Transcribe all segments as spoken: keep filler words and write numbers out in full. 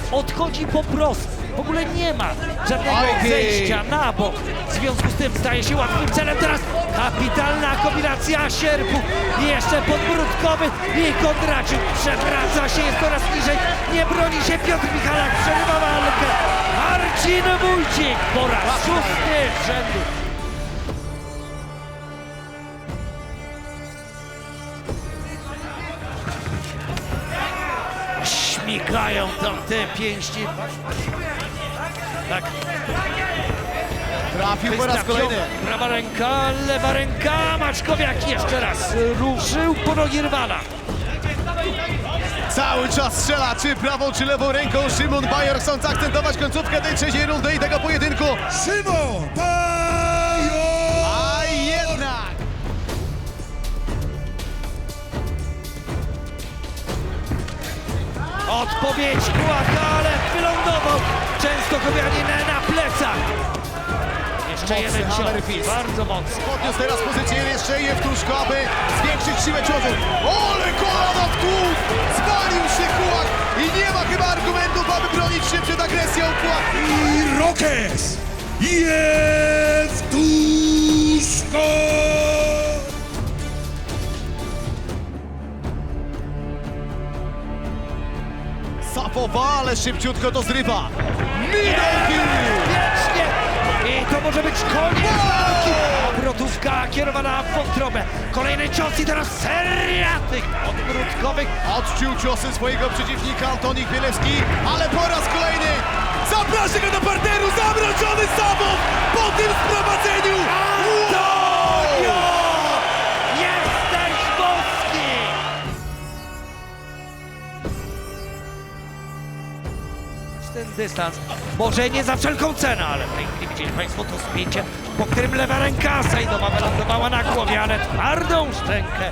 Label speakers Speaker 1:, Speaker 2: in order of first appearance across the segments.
Speaker 1: odchodzi po prostu. W ogóle nie ma żadnego
Speaker 2: Oj,
Speaker 1: zejścia na bok. W związku z tym staje się łatwym celem. Teraz kapitalna kombinacja sierpu i jeszcze podbródkowy i Kondraciuk przewraca się, jest coraz niżej. Nie broni się Piotr Michalak, przerywa walkę. Marcin Wójcik po raz szósty z rzędu. Śmigają tam te pięści. Tak.
Speaker 2: Trafił po raz kolejny.
Speaker 1: Prawa ręka, lewa ręka. Maczkowiak jeszcze raz ruszył po nogi rywala.
Speaker 2: Cały czas strzela, czy prawą, czy lewą ręką. Szymon Bajor, chcąc akcentować końcówkę tej trzeciej rundy i tego pojedynku.
Speaker 3: Szymon Bajor!
Speaker 2: A jednak!
Speaker 1: Odpowiedź Kłaka, ale wylądował często Kobianin na plecach. Jeszcze
Speaker 2: Mocny
Speaker 1: jeden
Speaker 2: hammer
Speaker 1: cios,
Speaker 2: fist.
Speaker 1: bardzo mocny.
Speaker 2: Podniósł teraz pozycję jeszcze Jewtuszko, aby zwiększyć siłę ciosu. Ole kolana w tłów! Zwalił się Kłak i nie ma chyba argumentów, aby bronić się przed agresją Kłak.
Speaker 3: I Rokes! Jewtuszko!
Speaker 2: Sapowa, ale szybciutko to zrywa. Middle kick!
Speaker 1: Wiecznie! I to może być koniec walki. Obrotówka kierowana w wątrobę. Kolejny cios i teraz seria tych odwrótkowych.
Speaker 2: Odczuł ciosy swojego przeciwnika Antoni Chmielewski, ale po raz kolejny zaprasza go do parteru, zamroczony Sapow po tym sprowadzeniu!
Speaker 1: Antonio! Jesteś boski! Ten dystans, może nie za wszelką cenę, ale w tej chwili widzieli Państwo to spięcie, po którym lewa ręka Sejdowa wylądowała na głowie, ale twardą szczękę.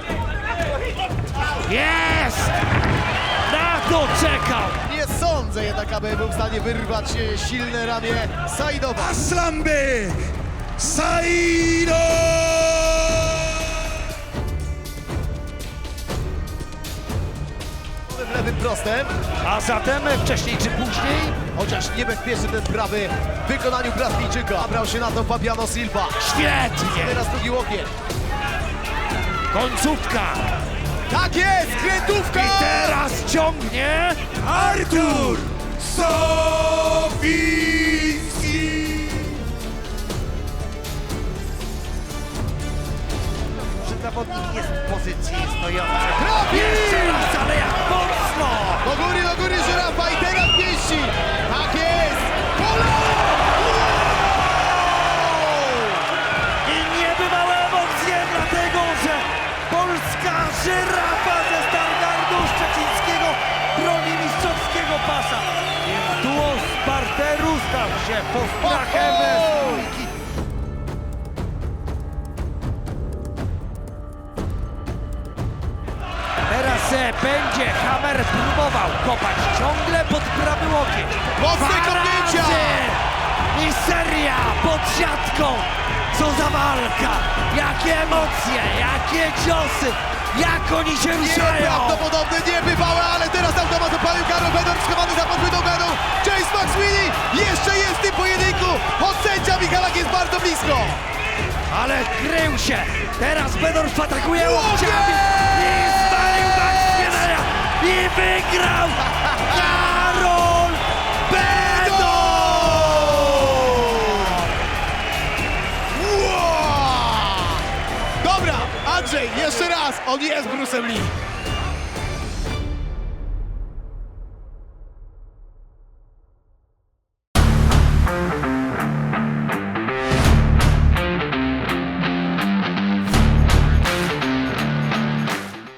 Speaker 1: Jest! Na to czekał!
Speaker 2: Nie sądzę jednak, aby był w stanie wyrwać e, silne ramię Sajdowa.
Speaker 3: Aslanbek! Saido!
Speaker 2: Lewym prostem,
Speaker 1: A zatem wcześniej czy później
Speaker 2: chociaż niebezpieczny ten prawy w wykonaniu Brazzylijczyka. Brał się na to Fabiano Silva.
Speaker 1: świetnie!
Speaker 2: Teraz drugi łokieć.
Speaker 1: Końcówka!
Speaker 2: Tak jest! Krętówka!
Speaker 1: I teraz ciągnie!
Speaker 3: Artur Sowiński!
Speaker 1: Że zawodnik jest w pozycji stojącej.
Speaker 2: Trafi!
Speaker 1: Jeszcze raz, ale jak mocno!
Speaker 2: Do góry, do góry żyrafa i teraz pięści! Tak jest! Kolano!
Speaker 1: I niebywałe emocje, dlatego że polska żyrafa ze Stargardu Szczecińskiego broni mistrzowskiego pasa. Więc duo z parteru stał się postrachem z dwójki. Teraz e, będzie Hammer próbował kopać ciągle pod prawy łokieć.
Speaker 2: Mocne
Speaker 1: Dwa
Speaker 2: kopnięcia!
Speaker 1: razy! I seria pod siatką. Co za walka! Jakie emocje, jakie ciosy! Jak oni się ruszają!
Speaker 2: Nieprawdopodobne, niebywałe, ale teraz automat opalił Karol Bedor, schowany za podpłytą gadą. James McSweeney jeszcze jest w tym pojedynku, choć sędzia Michalak jest bardzo blisko.
Speaker 1: Ale krył się! Teraz Bedorf atakuje
Speaker 2: Łokieć!
Speaker 1: łokciami i zwalił Maxwellera i wygrał Karol Bedorf!
Speaker 2: Wow! Dobra, Andrzej, jeszcze raz, on jest Bruce'em Lee.